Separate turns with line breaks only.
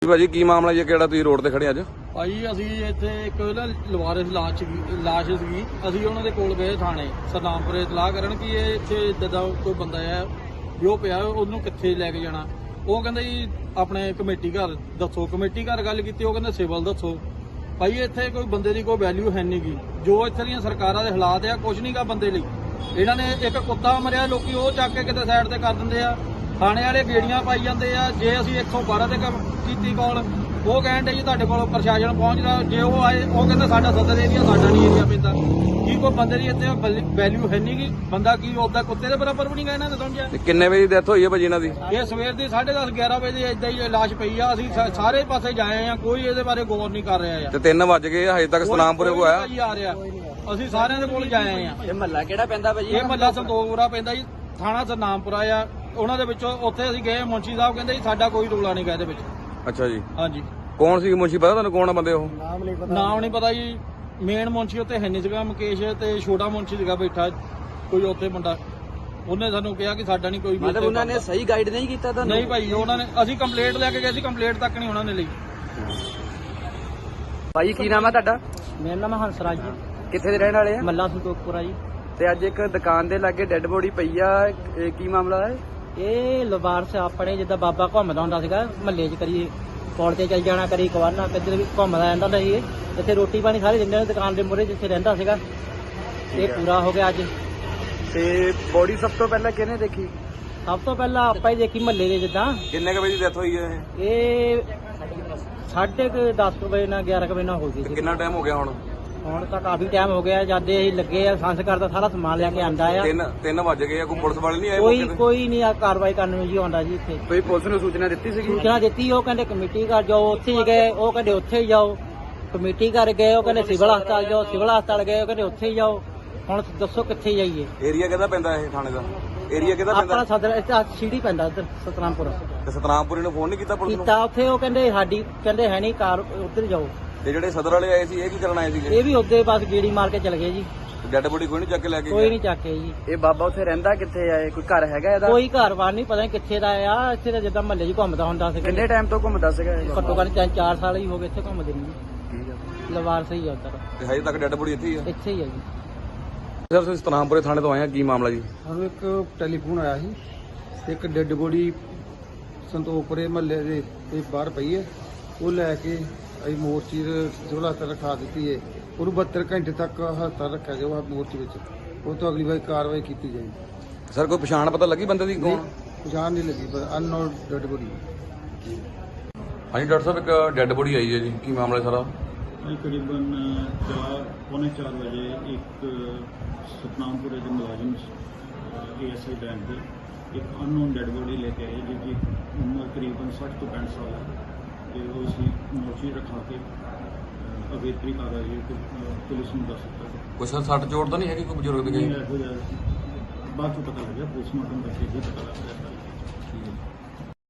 ਭਾਜੀ ਕੀ ਮਾਮਲਾ ਜੀ ਕਿਹੜਾ ਤੁਸੀਂ ਰੋਡ ਤੇ ਖੜੇ ਅੱਜ?
ਭਾਈ ਅਸੀਂ ਇੱਥੇ ਇੱਕ ਨਾ ਲਵਾਰਿਸ ਲਾਸ਼ ਸੀਗੀ। ਅਸੀਂ ਉਹਨਾਂ ਦੇ ਕੋਲ ਗਏ ਥਾਣੇ ਸਰਨਾਮਪੁਰੇ ਇਤਲਾਹ ਕਰਨ ਕਿ ਇਹ ਇੱਥੇ ਇੱਦਾਂ ਦਾ ਕੋਈ ਬੰਦਾ ਹੈ ਜੋ ਪਿਆ ਉਹਨੂੰ ਕਿੱਥੇ ਲੈ ਕੇ ਜਾਣਾ। ਉਹ ਕਹਿੰਦੇ ਜੀ ਆਪਣੇ ਕਮੇਟੀ ਘਰ ਦੱਸੋ। ਕਮੇਟੀ ਘਰ ਗੱਲ ਕੀਤੀ, ਉਹ ਕਹਿੰਦੇ ਸਿਵਲ ਦੱਸੋ। ਭਾਈ ਇੱਥੇ ਕੋਈ ਬੰਦੇ ਦੀ ਕੋਈ ਵੈਲਿਊ ਹੈ ਨਹੀਂ ਗੀ। ਜੋ ਇੱਥੇ ਦੀਆਂ ਸਰਕਾਰਾਂ ਦੇ ਹਾਲਾਤ ਆ ਕੁਝ ਨਹੀਂ ਗਾ ਬੰਦੇ ਲਈ। ਇਹਨਾਂ ਨੇ ਇੱਕ ਕੁੱਤਾ ਮਰਿਆ, ਲੋਕੀ ਉਹ ਚੱਕ ਕੇ ਕਿਤੇ ਸਾਈਡ ਤੇ ਕਰ ਦਿੰਦੇ ਆ। ਥਾਣੇ ਵਾਲੇ ਗੇੜੀਆਂ ਪਾਈ ਜਾਂਦੇ ਆ। ਜੇ ਅਸੀਂ 112 ਤੇ ਕੀਤੀ ਕਾਲ, ਉਹ ਕਹਿੰਦੇ ਜੀ ਤੁਹਾਡੇ ਕੋਲ ਪ੍ਰਸ਼ਾਸਨ ਪਹੁੰਚਦਾ। ਜੇ ਉਹ ਆਏ ਉਹ ਕਹਿੰਦੇ ਸਾਡਾ ਸਦਰ ਏਰੀਆ, ਸਾਡਾ ਨਹੀਂ ਏਰੀਆ ਪੈਂਦਾ। ਕੀ ਕੋਈ ਬੰਦੇ ਦੀ ਇੱਥੇ ਵੈਲਿਊ ਹੈ ਨਹੀਂ ਗੀ? ਬੰਦਾ ਕੀ ਉਹਦਾ ਕੁੱਤੇ ਦੇ ਬਰਾਬਰ ਵੀ ਨਹੀਂ ਗਾ ਇਹਨਾਂ ਨੇ ਸਮਝਿਆ।
ਕਿੰਨੇ ਵਜੇ ਦੀ ਡੈਥ ਹੋਈ ਹੈ ਭਾਜੀ ਇਹਨਾਂ ਦੀ?
ਇਹ ਸਵੇਰ ਦੀ 10:30 11 ਵਜੇ ਏਦਾਂ ਹੀ ਲਾਸ਼ ਪਈ ਆ। ਅਸੀਂ ਸਾਰੇ ਪਾਸੇ ਜਾਏ ਆ, ਕੋਈ ਇਹਦੇ ਬਾਰੇ ਗੌਰ ਨਹੀਂ ਕਰ ਰਿਹਾ ਆ।
ਤੇ 3 ਵਜ ਗਏ ਹਜੇ ਤੱਕ ਸਤਨਾਮਪੁਰੇ ਕੋ ਆਇਆ
ਆ ਰਿਹਾ। ਅਸੀਂ ਸਾਰਿਆਂ ਦੇ ਕੋਲ ਜਾਏ ਆ।
ਇਹ ਮਹੱਲਾ ਕਿਹੜਾ ਪੈਂਦਾ ਭਾਜੀ?
ਇਹ ਮਹੱਲਾ ਸੰਤੋਖਪੁਰਾ ਪੈਂਦਾ ਜੀ, ਥਾਣਾ ਸਰਨਾਮਪੁਰਾ ਆ। ਉਹਨਾਂ ਦੇ ਵਿੱਚੋਂ ਉੱਥੇ ਅਸੀਂ ਗਏ, ਮੁੰਸ਼ੀ ਸਾਹਿਬ ਕਹਿੰਦੇ ਜੀ ਸਾਡਾ ਕੋਈ ਰੌਲਾ ਨਹੀਂ ਗਾ ਇਹਦੇ ਵਿੱਚ।
ਅੱਛਾ ਜੀ,
ਹਾਂਜੀ।
ਕੌਣ ਸੀ ਮੁੰਸ਼ੀ ਪਤਾ ਤੁਹਾਨੂੰ? ਕੌਣ ਆ ਬੰਦੇ ਉਹ?
ਨਾਮ ਨਹੀਂ ਪਤਾ ਜੀ। ਮੇਨ ਮੁੰਸ਼ੀ ਉੱਥੇ ਹੈ ਨਹੀਂ ਸੀਗਾ ਮੁਕੇਸ਼, ਤੇ ਛੋਟਾ ਮੁੰਸ਼ੀ ਸੀਗਾ ਬੈਠਾ ਕੋਈ ਉੱਥੇ ਮੁੰਡਾ। ਉਹਨੇ ਸਾਨੂੰ ਕਿਹਾ ਕਿ ਸਾਡਾ ਨਹੀਂ ਕੋਈ ਵੀ।
ਮਤਲਬ ਉਹਨਾਂ ਨੇ ਸਹੀ ਗਾਈਡ ਨਹੀਂ ਕੀਤਾ ਤੁਹਾਨੂੰ?
ਨਹੀਂ ਭਾਈ, ਉਹਨਾਂ ਨੇ ਅਸੀਂ ਕੰਪਲੇਂਟ ਲੈ ਕੇ ਗਏ ਸੀ, ਕੰਪਲੇਂਟ ਤੱਕ ਨਹੀਂ ਉਹਨਾਂ ਨੇ ਲਈ।
ਭਾਜੀ ਕੀ ਨਾਮ ਹੈ ਤੁਹਾਡਾ?
ਮੇਰਾ ਨਾਮ ਹੰਸਰਾਜ ਜੀ,
ਕਿੱਥੇ ਦੇ ਰਹਿਣ ਵਾਲੇ ਆ?
ਮੱਲਾ ਸੰਤੋਖਪੁਰਾ ਜੀ।
ਤੇ ਅੱਜ ਇੱਕ ਦੁਕਾਨ ਦੇ ਲਾਗੇ ਡੈੱਡ ਬੋਡੀ ਪਈ ਆ, ਇਹ ਕੀ ਮਾਮਲਾ ਹੈ?
ਇਹ ਲਵਾਰਸ ਆਪਣੇ ਜਿੱਦਾਂ ਬਾਬਾ ਘੁੰਮਦਾ ਹੁੰਦਾ ਸੀਗਾ ਮਹੱਲੇ 'ਚ, ਕਰੀ ਪੌੜ ਤੇ ਚੱਲ ਜਾਣਾ, ਕਰੀ ਕਵਾਨਾ, ਕਿੱਧਰ ਵੀ ਘੁੰਮਦਾ ਰਹਿੰਦਾ ਹੁੰਦਾ ਸੀ। ਇੱਥੇ ਰੋਟੀ ਪਾਣੀ ਸਾਰੇ ਦਿੰਦੇ ਨੇ ਦੁਕਾਨ ਦੇ ਮੂਹਰੇ ਜਿੱਥੇ ਰਹਿੰਦਾ ਸੀਗਾ। ਇਹ ਪੂਰਾ ਹੋ ਗਿਆ ਅੱਜ।
ਤੇ ਬੋਡੀ ਸਭ ਤੋਂ ਪਹਿਲਾਂ ਕਿਹਨੇ ਦੇਖੀ?
ਸਭ ਤੋਂ ਪਹਿਲਾਂ ਆਪਾਂ ਹੀ ਦੇਖੀ ਮਹੱਲੇ ਦੇ। ਜਿੱਦਾਂ
ਕਿੰਨੇ ਵਜੇ ਦੀ ਡੈਥ ਹੋਈ ਹੈ
ਇਹ 10:30 ਵਜੇ ਨਾਲ 11 ਵਜੇ ਨਾਲ ਹੋ ਗਈ
ਤੇ
ਸੀ।
ਕਿੰਨਾ ਟਾਈਮ ਹੋ ਗਿਆ ਹੁਣ?
ਹੁਣ ਤਾਂ ਕਾਫੀ ਟਾਈਮ ਹੋ ਗਿਆ। ਜਦ ਅਸੀਂ ਲੱਗੇ ਆ ਸੰਸਕਾਰ ਦਾ ਸਾਰਾ ਸਮਾਨ ਲੈ ਕੇ ਆਂਦਾ ਆ।
3 ਵਜ ਗਏ ਆ। ਕੋਈ ਪੁਲਿਸ ਵਾਲੇ ਨਹੀਂ ਆਏ
ਕੋਈ
ਮੌਕੇ ਤੇ?
ਕੋਈ ਨਹੀਂ ਆ ਕਾਰਵਾਈ ਕਰਨ ਨੂੰ ਜੀ ਆਉਂਦਾ ਜੀ ਇੱਥੇ।
ਕੋਈ ਪੁਲਿਸ ਨੂੰ ਸੂਚਨਾ ਦਿੱਤੀ ਸੀਗੀ?
ਸੂਚਨਾ ਦਿੱਤੀ, ਉਹ ਕਹਿੰਦੇ ਕਮੇਟੀ ਘਰ ਜਾਓ, ਉੱਥੇ ਹੀ ਗਏ। ਉਹ ਕਹਿੰਦੇ ਉੱਥੇ ਹੀ ਜਾਓ। ਕਮੇਟੀ ਘਰ ਗਏ, ਉਹ ਕਹਿੰਦੇ ਸਿਵਲ ਹਸਪਤਾਲ ਜਾਓ। ਸਿਵਲ ਹਸਪਤਾਲ ਗਏ, ਉਹ ਕਹਿੰਦੇ ਉੱਥੇ ਹੀ ਜਾਓ। ਹੁਣ ਦੱਸੋ ਕਿੱਥੇ ਜਾਈਏ?
ਏਰੀਆ ਕਿਹਦਾ ਪੈਂਦਾ ਇਹ ਥਾਣੇ ਦਾ? ਏਰੀਆ ਕਿਹਦਾ
ਆਪਣਾ
ਪੈਂਦਾ?
ਸਦਰ ਇੱਥੇ ਸੀੜੀ ਪੈਂਦਾ ਇੱਧਰ ਸਤਨਾਮਪੁਰ।
ਤੇ ਸਤਨਾਮਪੁਰੇ ਨੂੰ ਫੋਨ ਨਹੀਂ ਕੀਤਾ ਪੁਲਿਸ ਨੂੰ?
ਕੀਤਾ ਉੱਥੇ, ਉਹ ਕਹਿੰਦੇ ਸਾਡੀ ਕਹਿੰਦੇ ਹੈ ਨਹੀਂ ਕਾਰ, ਉੱਧਰ ਜਾਓ।
ਤੇ ਜਿਹੜੇ ਸਦਰ ਵਾਲੇ ਆਏ ਸੀ ਇਹ ਕੀ ਕਰਨ ਆਏ ਸੀਗੇ?
ਇਹ ਵੀ ਉੱਧੇ ਬਸ ਗੇੜੀ ਮਾਰ ਕੇ ਚਲ ਗਏ ਜੀ।
ਡੈਡ ਬੋਡੀ ਕੋਈ ਨਹੀਂ ਚੱਕ ਕੇ ਲੈ ਕੇ
ਕੋਈ
ਗਿਆ?
ਨਹੀਂ ਚੱਕੇ ਜੀ।
ਇਹ ਬਾਬਾ ਉੱਥੇ ਰਹਿੰਦਾ ਕਿੱਥੇ ਆ? ਕੋਈ ਘਰ ਹੈਗਾ ਇਹਦਾ?
ਕੋਈ ਘਰ-ਬਾਰ ਨਹੀਂ, ਪਤਾ ਨਹੀਂ ਕਿੱਥੇ ਦਾ ਆ। ਇੱਥੇ ਤਾਂ ਜਿੱਦਾਂ ਮਹੱਲੇ 'ਚ ਘੁੰਮਦਾ ਹੁੰਦਾ ਸੀ।
ਕਿੰਨੇ ਟਾਈਮ ਤੋਂ ਘੁੰਮਦਾ ਸੀਗਾ ਇਹ?
ਘੱਟੋ ਘੱਟ 3-4 ਸਾਲ ਹੀ ਹੋ ਗਏ ਇੱਥੇ ਘੁੰਮਦੇ ਨੂੰ ਜੀ।
ਠੀਕ ਆ।
ਲਵਾਰ ਸਹੀ ਆ ਉੱਧਰ,
ਤੇ ਹਜੇ ਤੱਕ ਡੈਡ ਬੋਡੀ ਇੱਥੇ ਹੀ ਆ?
ਇੱਥੇ ਹੀ ਆ ਜੀ।
ਸਰ ਤੁਸੀਂ ਸਤਨਾਮਪੁਰੇ ਥਾਣੇ ਤੋਂ ਆਏ ਆ, ਕੀ ਮਾਮਲਾ ਜੀ?
ਸਾਨੂੰ ਇੱਕ ਟੈਲੀਫੋਨ ਆਇਆ ਸੀ, ਇੱਕ ਡੈੱਡ ਬੋਡੀ ਸੰਤੋਖਪੁਰੇ ਮਹੱਲੇ ਦੇ ਤੇ ਬਾਹਰ ਪਈ ਹੈ। ਉਹ ਲੈ ਕੇ ਅਸੀਂ ਮੋਰਚੀ ਦੇ ਸਿਵਲ ਹਸਪਤਾਲ ਰਖਾ ਦਿੱਤੀ ਹੈ। ਉਹਨੂੰ 72 ਘੰਟੇ ਤੱਕ ਹਸਪਤਾਲ ਰੱਖਿਆ ਜਾਊਗਾ ਮੋਰਚੀ ਵਿੱਚ। ਉਹ ਤੋਂ ਅਗਲੀ ਵਾਰ ਕਾਰਵਾਈ ਕੀਤੀ ਜਾਏਗੀ।
ਸਰ ਕੋਈ ਪਛਾਣ ਪਤਾ ਲੱਗੀ ਬੰਦੇ ਦੀ ਕੌਣ?
ਪਛਾਣ ਨਹੀਂ ਲੱਗੀ, ਪਰ ਅਨਨੋਨ ਡੈੱਡ ਬੋਡੀ।
ਹਾਂਜੀ ਡਾਕਟਰ ਸਾਹਿਬ, ਇੱਕ ਡੈਡ ਬੋਡੀ ਆਈ ਹੈ ਜੀ, ਕੀ ਮਾਮਲਾ ਹੈ ਸਾਰਾ?
ਤਕਰੀਬਨ 4:45 ਵਜੇ ਇੱਕ ਸਤਨਾਮਪੁਰੇ ਦੇ ਮੁਲਾਜ਼ਮ ASI ਬੈਂਕ ਦੇ ਇੱਕ ਅਨਨੋਨ ਡੈਡ ਬੋਡੀ ਲੈ ਕੇ ਆਏ, ਜਿਹਦੀ ਉਮਰ ਤਕਰੀਬਨ 60 ਤੋਂ 65 ਸਾਲ ਹੈ। ਤੇ ਉਹ ਅਸੀਂ ਮੋਰਚੀ ਰਖਾ ਕੇ ਅਗੇਤਰੀ ਕਾਰਵਾਈ ਪੁਲਿਸ ਨੂੰ ਦੱਸ ਦਿੱਤਾ।
ਕੋਈ ਸਰ ਸੱਟ ਚੋਟ ਤਾਂ ਨਹੀਂ ਹੈਗੀ ਕੋਈ ਬਜ਼ੁਰਗ ਦੀ?
ਇਹੋ ਜਿਹਾ ਬਾਅਦ ਚੋਂ ਪਤਾ ਲੱਗਿਆ, ਪੋਸਟਮਾਰਟਮ ਕਰਕੇ ਹੀ ਪਤਾ ਲੱਗਿਆ।
ਠੀਕ ਹੈ।